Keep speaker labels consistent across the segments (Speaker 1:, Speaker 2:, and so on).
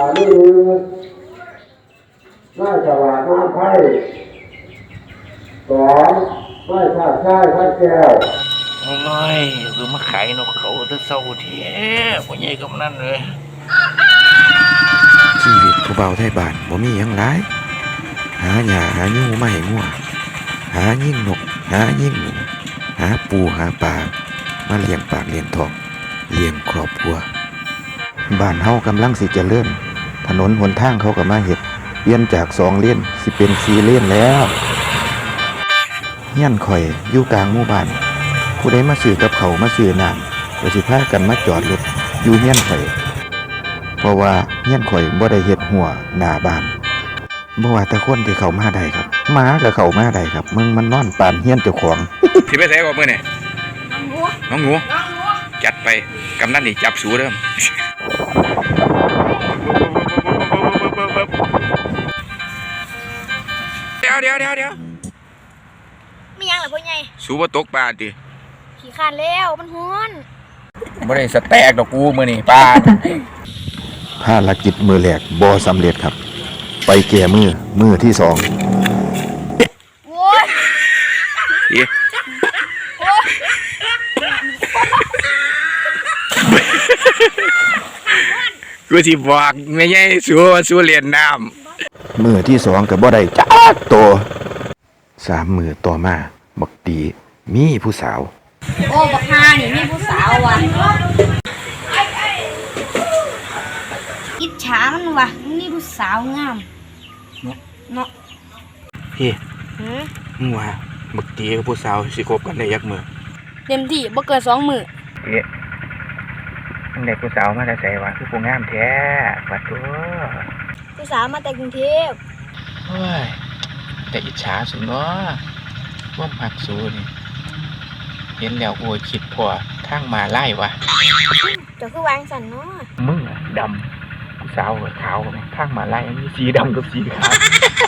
Speaker 1: นี่น่าจะว่าน้ำไผ่สองไม่ข้าใช่ข้าแก้ว
Speaker 2: โอ้ยคือมาขายนกเขาจะเศร้าแท้พ่อใหญ่กำนันเลย
Speaker 3: ชีวิตผู้เบาไทยบ้านบ่มีหยังหลายหาหญ้าหาหยูมาให้งัวหายิงนกหายิงหนูหาปูหาปลามาเลี้ยงปากเลี้ยงท้องเลี้ยงครอบครัวบ้านเฮากำลังสิเจริญถนนหนทางเขาก็มาเฮ็ดเปลี่ยนจาก2 เลนสิเป็น4 เลนแล้วเฮียนข่อยอยู่กลางหมู่บ้านผู้ใดมาซื้อกับเขามาซื้อน้ำก็สิพากันมาจอดรถอยู่เฮียนข่อยเพราะว่าเฮียนข่อยบ่ได้เฮ็ดหัวหน้าบ้านบ่ว่าแต่คนที่เข้ามาได้ครับหมาก็เข้ามาได้ครับมึงมันนอนปานเฮียนเจ้าของ
Speaker 2: สิไปใส่ก่อนมื้อนี่น้องหนูจัดไปกำนันนี่จับสูเด้อเดี๋ยว
Speaker 4: มียังเหรอพ่อใหญ่
Speaker 2: สูบ่ตกปลาติ
Speaker 4: ขี้คร้านแล้วมันฮ้อน
Speaker 2: บ่ได้สแต็กดอกกูมื้อนี้ปลา
Speaker 3: ภารกิจมือแรกบ่สำเร็จครับไปแก้มือที่2
Speaker 4: โว้ย
Speaker 2: กูสิบอกไม่ใช่สู้เรียนน้
Speaker 3: ำมือที่2ก็บ่ได้จักโต3 มือต่อมาบักตีมีผู้สาว
Speaker 4: โอ้บักฮานี่มีผู้สาวว่ะอิจฉามันว่ะมีผู้สาวงามเนาะ
Speaker 2: พี่มึงว่าบักตีกับผู้สาวสิคบกันได้ยักมือ
Speaker 4: เต็มที่บ่เกิน2 มื้อ
Speaker 2: มึงได้ผู้สาวมาแต่ไสวะคือผู้งามแท้ปัดตัว
Speaker 4: ผู้สาวมาแต่กรุงเทพ
Speaker 2: เฮ้ยแต่อิจฉาสุดเนาะว่ามักสูนี่เห็นแล้วโอ้ยคิดพอทางมาไล่วะ
Speaker 4: จะคือวางสันเนาะ
Speaker 2: มึงอะดำผู้สาวขาวทางมาไล่มีสีดำกับสีขาว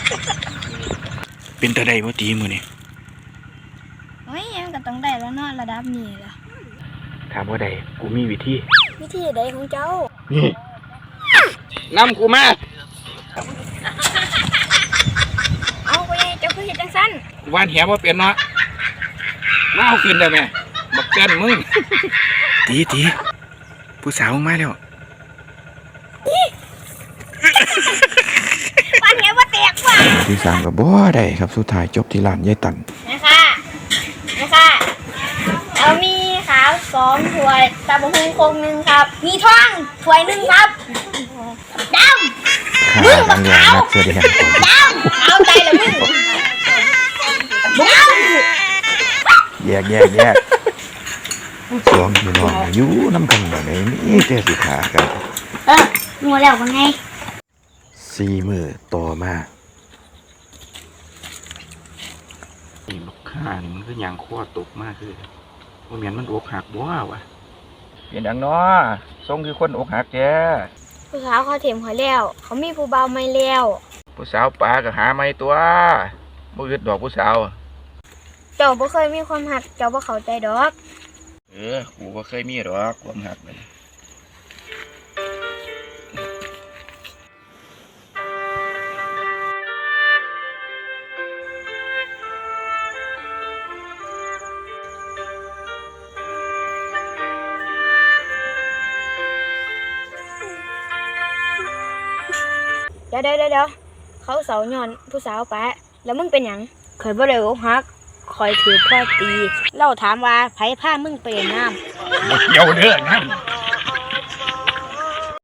Speaker 2: เป็นตาใดบ่ตีมือนี่
Speaker 4: โอ้ยมันก็ต้องได้แล้วเนาะระดับนี้ล่ะ
Speaker 2: ถามว่าใดกูมีวิธี
Speaker 4: ใดของเจ้า
Speaker 2: นี่นำกูมา
Speaker 4: เอาไปเจ้าคือเฮ็ดจังซั่น
Speaker 2: วานแหบ่เป็นเนาะมาเอาขึ้นได้ไหมบักเต้นมึงตีผู้สาวมาแล้ว
Speaker 4: วานแหบ่แตกว่ะ
Speaker 3: ที่3ก็บ่ได้ครับสุดท้ายจบที่ร้านยายตัน
Speaker 4: นะคะเอามีขาว2 ถ้วยตำบักหุ่งโคง1ครับมีทองถ้วย1ครับดำมึงบักขาวดำเอาใจละมึง
Speaker 3: แยก2พี่น้องอยู่นำกันบ่ได้มีแต่สิขากัน
Speaker 4: งัวแล้วว่าไง
Speaker 3: 4 มื้อต่อมา
Speaker 2: นี่บักข่านมันคือหยังคอตกมากคือบ่แม่นมันอกหักบ่วะเป็นหยังเนาะทรงคือคนอกหักแก
Speaker 4: ผู้สาวเขาเถียมเขาแล้วเขามีผู้บ่าวใหม่แล้ว
Speaker 2: ผู้สาวปลาก็หาใหม่ตัวบ่อึดดอกผู้สาว
Speaker 4: เจ้าบ่เคยมีความหักเจ้าบ่เข้าใจดอก
Speaker 2: กูบ่เคยมีดอกความหักเลย
Speaker 4: เดี๋ยวเขาเสาย้อนผู้สาวปะแล้วมึงเป็นหยังเคยบ่ได้อกหักคอยถือพ่อตีเล่าถามว่าไผพามึงไปน้ำ
Speaker 2: บ่เกี่ยวเด้อนั่น